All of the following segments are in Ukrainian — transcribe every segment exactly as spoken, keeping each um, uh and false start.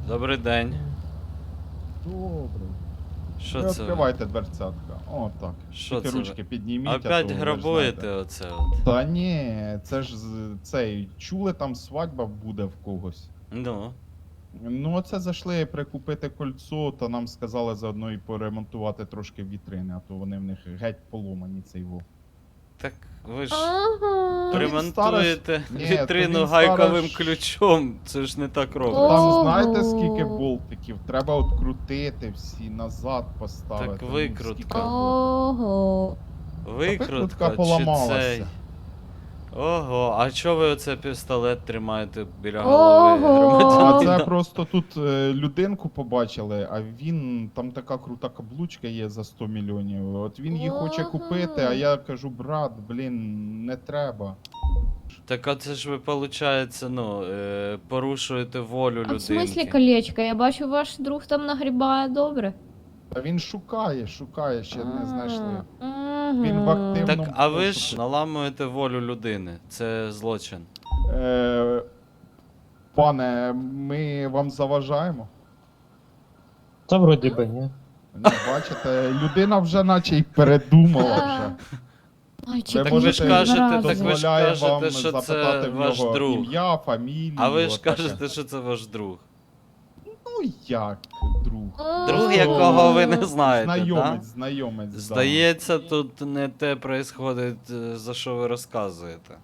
Добрий день. Добре. Що Ви це? ви? відкривайте дверцятка. О, так. Що Тільки це? ручки ви? підніміть, а Опять то ви ж грабуєте знаєте. оце от. Та ні, це ж з- цей, чули, там свадьба буде в когось. Ну. Ну, оце зайшли прикупити кольцо, та нам сказали заодно і поремонтувати трошки вітрини, а то вони в них геть поломані цей во. Так ви ж Ага. Та він ремонтуєте старость- Ні, то вітрину він гайковим старость- ключом. Це ж не так Та робиться. Там Ого. знаєте скільки болтиків? Треба открутити всі, назад поставити. Так ну, викрутка. скільки роботи. Ого. Викрутка викрутка чи поламалася. цей? Ого, а чого ви оце пістолет тримаєте біля голови Ого. А громадянина? це просто тут е, людинку побачили, а він, там така крута каблучка є за сто мільйонів. От він її хоче Ага. купити, а я кажу, брат, блін, не треба. Так а це ж ви, виходить, ну, е, порушуєте волю А в смислі людинки. колечко? Я бачу, ваш друг там нагрібає добре. А він шукає, шукає, ще не знайшли. Мгм. Він в активному- Так, Ну, а ви просто- ж наламуєте волю людини. Це злочин. Е, пане, ми вам заважаємо? Та вроді би, ні. Ну, бачите, людина вже наче й передумала вже. Мальчик, Ви Так ну ви ж можете, кажете, зараза. так ви ж дозволяє кажете, вам що це запитати в ваш нього друг. ім'я, фамілію. А ви ж отаке. кажете, що це ваш друг. Ну як, друг? Друг, Просто якого ви не знаєте, Знайомець, да? знайомець. да. Здається, тут не те происходить, е, за що ви розказуєте.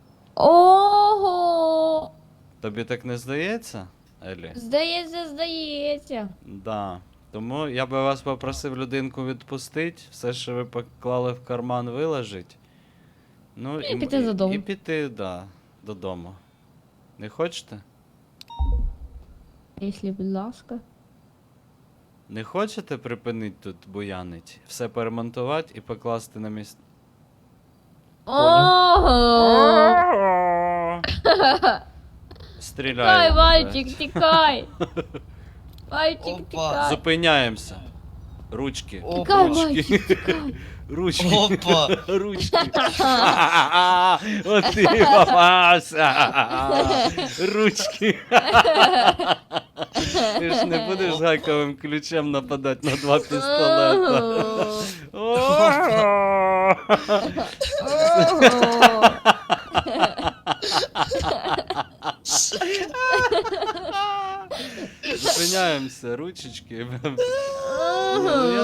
Ого! Тобі так не здається, Елі? Здається, здається. Да. Тому я би вас попросив людинку відпустити, все, що ви поклали в карман, виложить. Ну, І м- піти додому. І піти, да, додому. Не хочете? Якщо, будь ласка. Не хочете припинити тут буянить? Все поремонтувати і покласти на місце. Ого! Стріляємо. Тікай, да. мальчик, тікай! Мальчик, Опа. тікай! Зупиняємося. Ручки. Тікай, Ручки. мальчик, тікай! Ручки. Опа. Ручки. От ти попався. Ручки. Ти ж не будеш з гайковим ключем нападати на два пістолета. Ого! Зупиняємося, ручечки. Ого! Ну, я